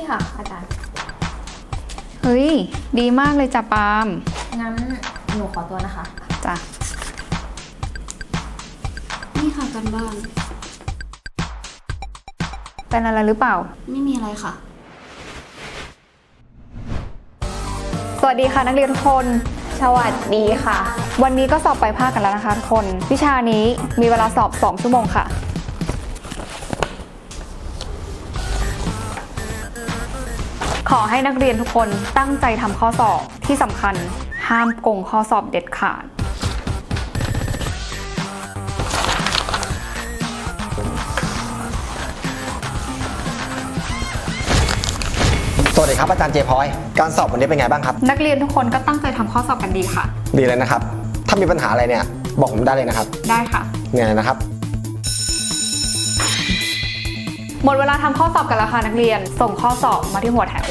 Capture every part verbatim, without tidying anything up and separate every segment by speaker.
Speaker 1: นี่ค่ะอาจารย์
Speaker 2: เฮ้ยดีมากเลยจ้ะปาล์ม
Speaker 1: งั้นหนูขอตัวนะคะ
Speaker 2: จ้ะ
Speaker 3: นี่ค่ะกันบ้าน
Speaker 2: เป็นอะไรหรือเปล่า
Speaker 3: ไม่มีอะไรค่ะ
Speaker 2: สวัสดีค่ะนักเรียนทุกคน
Speaker 1: สวัสดีค่ะ
Speaker 2: วันนี้ก็สอบปลายภาคกันแล้วนะคะทุกคนวิชานี้มีเวลาสอบสองชั่วโมงค่ะขอให้นักเรียนทุกคนตั้งใจทำข้อสอบที่สำคัญห้ามโกงข้อสอบเด็ดขาด
Speaker 4: สวัสดีครับอาจารย์เจพอยการสอบวันนี้เป็นไงบ้างครับ
Speaker 2: นักเรียนทุกคนก็ตั้งใจทำข้อสอบกันดีค่ะ
Speaker 4: ดีเลยนะครับถ้ามีปัญหาอะไรเนี่ยบอกผมได้เลยนะครับ
Speaker 2: ได้ค่ะ
Speaker 4: เนี่ยนะครับ
Speaker 2: หมดเวลาทำข้อสอบกันแล้วค่ะนักเรียนส่งข้อสอบมาที่หัวแถว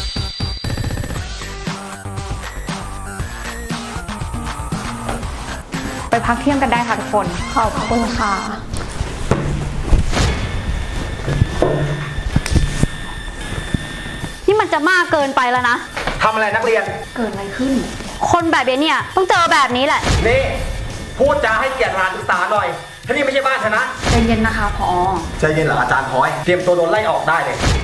Speaker 2: ไปพักเที่ยงกันได้ค่ะทุกคน
Speaker 1: ขอบคุณค่ะ
Speaker 3: นี่มันจะมากเกินไปแล้วนะ
Speaker 4: ทำอะไรนักเรียน
Speaker 2: เกิดอะไรขึ้น
Speaker 3: คนแบบนี้เนี่ยต้องเจอแบบนี้แหละ
Speaker 4: นี่พูดจาให้เกียรติสถานศึกษาหน่อยที่นี่ไม่ใช่บ้านฉันนะ
Speaker 2: ใจเย็นนะคะผอ
Speaker 4: ใจเย็นเหรออาจารย์พอยเตรียมตัวโดนไล่ออกได้เลย